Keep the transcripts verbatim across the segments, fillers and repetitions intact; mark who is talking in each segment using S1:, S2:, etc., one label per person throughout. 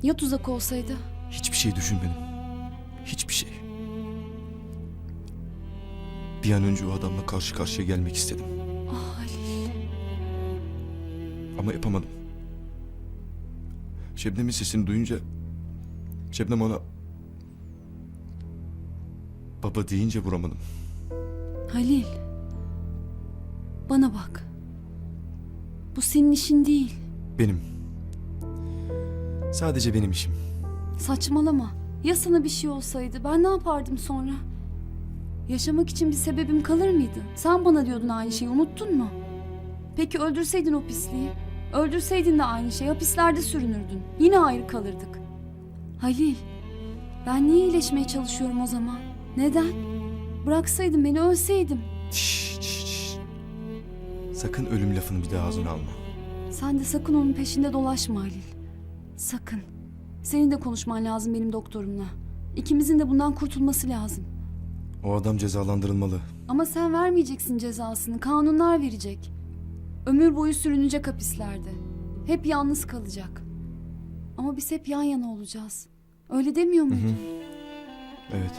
S1: Ya tuzak olsaydı?
S2: Hiçbir şey düşünmedim. Hiçbir şey. Bir an önce o adamla karşı karşıya gelmek istedim.
S1: Ah Halil.
S2: Ama yapamadım. Şebnem'in sesini duyunca... Şebnem ona... Baba deyince vuramadım.
S1: Halil. Bana bak. Bu senin işin değil.
S2: Benim. Sadece benim işim.
S1: Saçmalama. Ya sana bir şey olsaydı ben ne yapardım sonra? Yaşamak için bir sebebim kalır mıydı? Sen bana diyordun aynı şeyi, unuttun mu? Peki öldürseydin o pisliği? Öldürseydin de aynı şey, hapislerde sürünürdün. Yine ayrı kalırdık. Halil, ben niye iyileşmeye çalışıyorum o zaman? Neden? Bıraksaydın beni, ölseydim.
S2: Şşş, şşş, şşş. Sakın ölüm lafını bir daha ağzına alma.
S1: Sen de sakın onun peşinde dolaşma Halil. Sakın. Senin de konuşman lazım benim doktorumla. İkimizin de bundan kurtulması lazım.
S2: O adam cezalandırılmalı.
S1: Ama sen vermeyeceksin cezasını. Kanunlar verecek. Ömür boyu sürünecek hapislerde. Hep yalnız kalacak. Ama biz hep yan yana olacağız. Öyle demiyor muydun?
S2: Hı hı. Evet.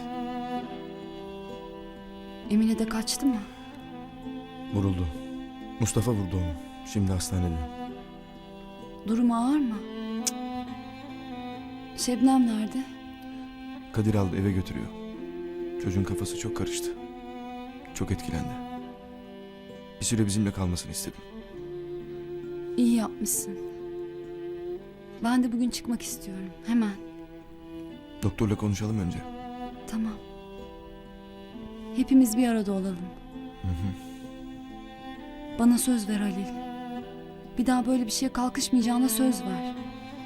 S1: Emine de kaçtı mı?
S2: Vuruldu. Mustafa vurdu onu. Şimdi hastanede.
S1: Durumu ağır mı? Cık. Şebnem nerede?
S2: Kadir aldı, eve götürüyor. Çocuğun kafası çok karıştı. Çok etkilendi. Bir süre bizimle kalmasını istedim.
S1: İyi yapmışsın. Ben de bugün çıkmak istiyorum. Hemen.
S2: Doktorla konuşalım önce.
S1: Tamam. Hepimiz bir arada olalım.
S2: Hı hı.
S1: Bana söz ver Halil. Bir daha böyle bir şeye kalkışmayacağına söz ver.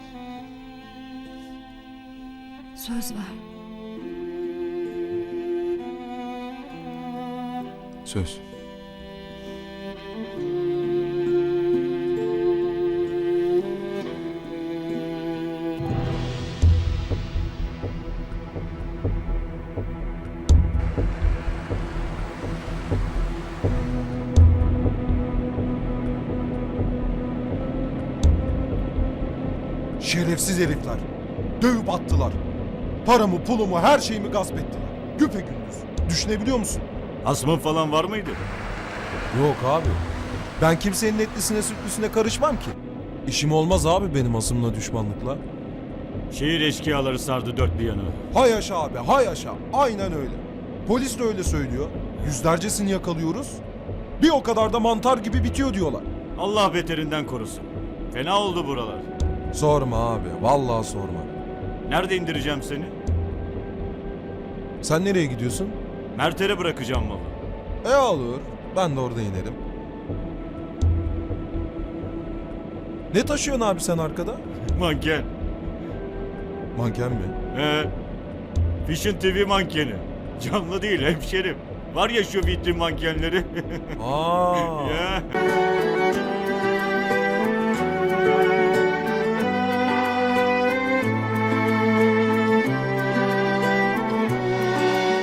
S1: Söz ver.
S2: Söz.
S3: Şerefsiz herifler. Dövüp attılar. Paramı, pulumu, her şeyimi gasp ettiler. Güpegündüz. Düşünebiliyor musun?
S4: Asmın falan var mıydı?
S3: Yok abi. Ben kimsenin etlisine sütlüsüne karışmam ki. İşim olmaz abi benim asımla düşmanlıkla.
S4: Şehir eşkıyaları sardı dört bir yanı.
S3: Hay yaşa abi, hay yaşa. Aynen öyle. Polis de öyle söylüyor. Yüzlercesini yakalıyoruz. Bir o kadar da mantar gibi bitiyor diyorlar.
S4: Allah beterinden korusun. Fena oldu buralar.
S3: Sorma abi, vallahi sorma.
S4: Nerede indireceğim seni?
S3: Sen nereye gidiyorsun?
S4: Mert'e bırakacağım malı.
S3: E olur. Ben de orada inerim. Ne taşıyorsun abi sen arkada?
S4: Manken.
S3: Manken mi?
S4: He. Fişin T V mankeni. Canlı değil hemşerim. Var ya şu vitrin mankenleri.
S3: Aa.
S4: Ya.